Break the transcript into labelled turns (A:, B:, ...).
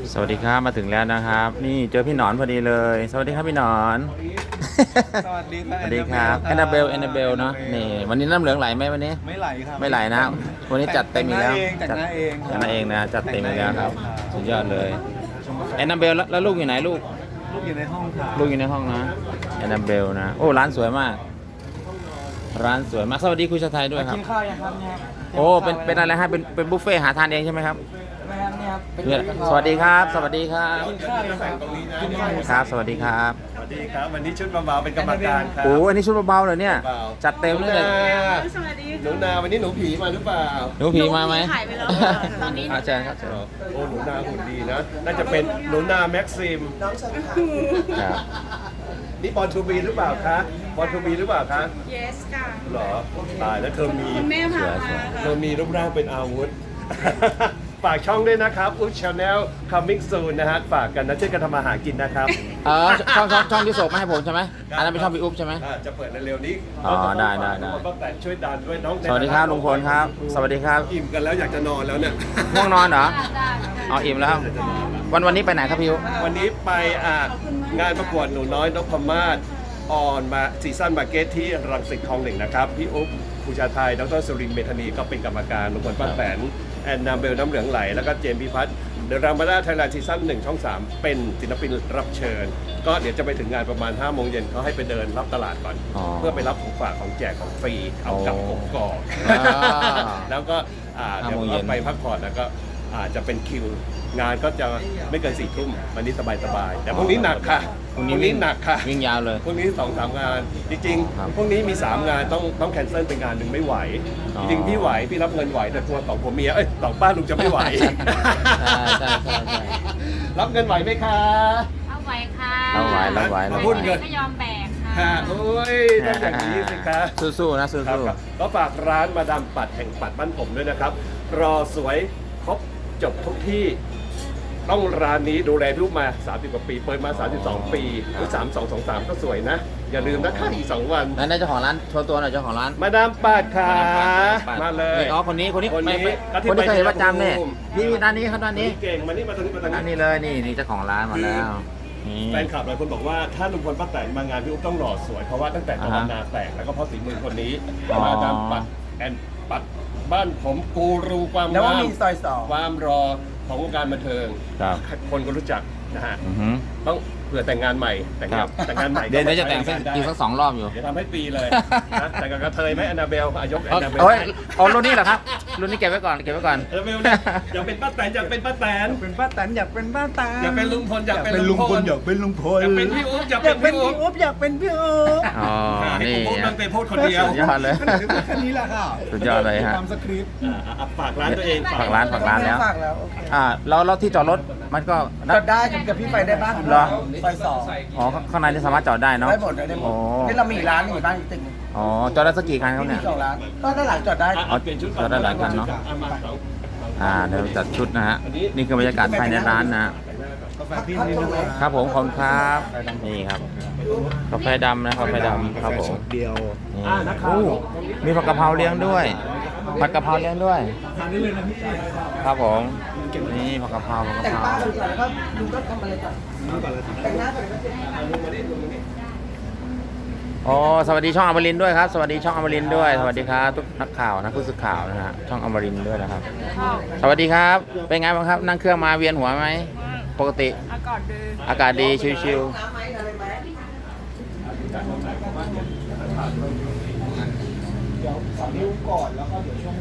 A: สวัสดีครับมาถึงแล้วนะครับนี่เจอพี่หนอนพอดีเลยสวัสดีครับพี่หนอน
B: สวัสดีครับ
A: สวัสดีครับแอนนาเบลเนาะนี่วันนี้น้ำเหลืองไหลไหมวันนี้
B: ไม่ไหลครับ
A: ไม่ไหลนะวันนี้จัดเต็มอีกแล้ว
B: แต่งหน้าเอง
A: จัดหน้าเองนะจัดเต็มอีกแล้วครับสุดยอดเลยแอนนาเบลแล้วลูกอยู่ไหนลูก
B: ลูกอยู่ในห้องค่ะ
A: ลูกอยู่ในห้องนะแอนนาเบลนะโอ้ร้านสวยมาก ร้านสวยมากสวัสดีคุณชาไทยด้วยครับ
B: กินข้าวยังครับเนี่ย
A: โอ้เป็นอะไรฮะเป็นบุฟเฟ่ต์หาทานเองใช่ไหมครับ
B: ไม่ครับเนี่ยครับเป็น
A: เนี่ยสวัสดีครับ สวัสดีครับ
B: กินข้าวยังครับกินข้าวยัง
A: ครับ สวัสดีครับ
C: สวัสดีครับวันนี้ชุดเบาๆเป็นกรรมการครับ
A: โอ้อันนี้ชุดเบาๆเลยเนี่ย
C: เบา
A: จัดเต็มเลย
C: หนูนา
D: สวัสดี
C: หนูนาวันนี้หนูผีมาหรือเปล่า
A: หนูผีมาไหม
D: หายไปแล้วค่ะตอนนี้
A: อาจารย์ครับ
C: โอ้หนูนาหุ่นดีนะน่าจะเป็นหนูนาแม็กซิม
A: ครับ
C: นี่บอลทูบีหรือเปล่าคะบอลทูบีหรือเปล่าคะ
D: yes ค่ะ
C: หรอตายแล้วเธอมี
D: คุณแม่พามาค่ะ
C: เธอมีรูปร่างเป็นอาวุธ ฝากช่องด้วยนะครับอุ๊บชาแนล coming soon นะฮะฝากกันนะช่วยกันทำอาหารกินนะครับ
A: ช่องที่ส่งมาให้ผมใช่ไหมอันนั้นเป็นช่องพี่อุ๊บใช่ไหม
C: จะเปิดเร็วๆนี้
A: อ๋อได้
C: ป้าแต่ช่วยดันด้วยน้อง
A: สวัสดีครับลุงพลครับ สวัสดีครับ
C: อิ่มกันแล้วอยากจะนอนแล้วเนี่ย
A: ง่วงนอนเหรอเอาอิ่มแล้วครับวันนี้ไปไหนครับพี่อุ๊บ
C: วันนี้ไปงานประกวดหนูน้อยนพมาศออนมาซีซั่นมาร์เก็ตที่รังสิตคลองหนึ่งนะครับ พี่อุ๊บภูชาไทยดรสุรินทร์เมธานีก็เป็นกรรมการลุงพลป้าแตนแอนนาเบลน้ำเหลืองไหล แล้วก็เจมส์พิพัฒน์เดอะรามาดาไทยแลนด์ซีซั่น1ช่อง 3 เป็นศิลปินรับเชิญ ก็เดี๋ยวจะไปถึงงานประมาณ5 โมงเย็นเขาให้ไปเดินรับตลาดก่อน เพื่อไปรับของฝากของแจกของฟรีเอากลับกกอก แล้วก็เดี๋ยวก็ไปพักผ่อนแล้วก็อาจจะเป็นคิว งานก็จะไม่เกิน4 ทุ่มวันนี้สบายๆแต่พรุ่งนี้หนักค่ะพรุ่งนี้หนักค่ะ
A: วิ่งยาวเลย
C: พรุ่งนี้2-3 งาน จริง
A: ครับ
C: ๆพรุ่งนี้มี 3 งานต้องแคนเซิลเป็นงานหนึ่งไม่ไหว
A: อ๋อ
C: จริงๆพี่ไหวพี่รับเงินไหวแต่กลัวสองผัวเมียสองป้าลุงจะไม่ไหว
A: ใช่
C: รับเงินไหวไหมคะ
D: เอาไว้ค่ะ
A: เอาไหวรับไหว
C: มาพูดเงิน
D: ก็ยอมแบกค่ะ
C: ค่ะโอ้ยต้องอย่างนี้สิคะ
A: สู้ๆนะสู้
C: ครับก็ฝากร้านมาดามปัดแห่งปัดบ้านผมด้วยนะครับ รอสวยครบจบทุกที่ ต้องร้านนี้ดูแลลูกมา 30 กว่าปี เปิดมา 32 ปีหรือ3223 ก็สวยนะ อย่าลืมนะค่าอีก 2 วัน
A: นั่นได้เจ้าของร้านโชว์ตัวหน่อยเจ้าของร้าน
C: มาดามปัดค่ะมาเลย
A: นี่อ๋อคนนี้
C: คนนี้
A: ไม่คนที่เคยเห็นประจำเนี่ยนี่ด้านนี้ครับด้านนี้
C: เก่งมานี่มาตรงนี้มาตรง
A: ด้าน
C: นี้
A: นี้เลยนี่เจ้าของร้านมาแล้วนี่
C: แฟนคลับหลายคนบอกว่าถ้าลุงพลป้าแตนมางานพี่อุ๊บต้องหล่อสวยเพราะว่าตั้งแต่ตะวันนาแตกแล้วก็เพราะฝีมือคนนี้
A: อ๋อ
C: มาดามปัดแอนปัดบ้านผมกูรูความ
B: แล้ว
C: งา
B: ว่าม มีซอยสอง
C: ความรอของวงการบันเทิง
A: ครับ
C: คนก็รู้จักนะฮะ
A: อือหือ
C: ต้องเผื่อแต่งงานใหม่แต่ง
A: ค
C: งา
A: รั
C: น
A: บ
C: แต่งงานใหม่
A: เดี๋ยวจะแต่งอีกสัก2 รอบอยู่
C: เดี๋ยวทำให้ปีเลยนะแต่งกับกระเทยไหมแอนนาเบลอายกแอนนาเบล
A: โอ้ยเอารุ่นนี้เหรอครับรุ่นนี้เก็บไว้ก่อนเก็บไว้ก่อน
C: แอนนาเบลเนี่ยอยากเป็นป้าแตนอยากเป็นป้าแตน
B: เป็นป้าแตนอยากเป็นป้าแตน
C: อยากเป็นลุงพลอยากเป็นลุงพล
B: อยากเป็นลุงพล
C: อยากเป็นพี่อุ๊บอยาก
B: อยากเป็
C: เป็น นพี่
B: พี่
C: อุ๊บ
B: อุ๊บอยากเป็นพี่อุ๊บ
A: อ๋อ
C: ให้
A: นี่
C: ผมพูดตั้งแต่พูดคนเดียว
A: สุดยอดเลย
B: แค่นี้แหละค่ะ
A: สุดยอดเลยฮะ
B: ตามสคริปต์
C: ฝากร้านตัวเอง
A: ฝากร้านแล้ว
B: ฝากแล้วโอเค
A: แล้วที่จอดรถมันก็
B: จอดได้กับพี่ไปได้บ้าง
A: เหรอ
B: ซอยสอง
A: อ๋อข้างในนี่สามารถจอดได้เนาะ
B: ได้หมดได้หม
A: อ๋
B: ด
A: อ
B: นี่เรามีร้านอยู่บ้านอีกตึกหนึง
A: อ๋อจอดได้สักกี่คันครับ
B: มี
A: เนี่ย
B: 2 ร้านก็ด้านหลังจอดได้
C: เปลี่ยนชุด
A: จอดได้หลายคันเนอะ
C: มาสอง
A: เดี๋ยวจัดชุดนะฮะนี่คือบรรยากาศภายในร้านนะฮะ
B: กาแฟพี่นิดนึง
A: ครับผมขอบคุณครับนี่ครับกาแฟดำนะกาแฟดำครับผม
B: เดียว
A: นี่โอ้มีผัดกะเพราเลี้ยงด้วยผัดกะเพราเลี้ยงด้วย
B: ทานได้เลยนะพี่
A: ครับผมนี่ผัดกะเพรา
B: แต่งป้าเลยก่อนแล้วก็ดูก็ทำอะไรก่อนแต่งหน้าก่อน
A: อ๋อสวัสดีช่องอมรินทร์ด้วยครับสวัสดีช่องอมรินทร์ด้วยสวัสดีครับทุกนักข่าวนะผู้สื่อข่าวนะฮะช่องอมรินทร์ด้วยนะครับ สวัสดีครับ เป็นไงบ้างครับ นั่งเครื่องมาเวียนหัวไหม ปกติ
D: อากาศดี
A: อากาศดี ชิว
B: น้ำไหมอะไรไหมเดี๋ยว3 นิ้วก่อนแล้วก็เดี๋ยวช่วง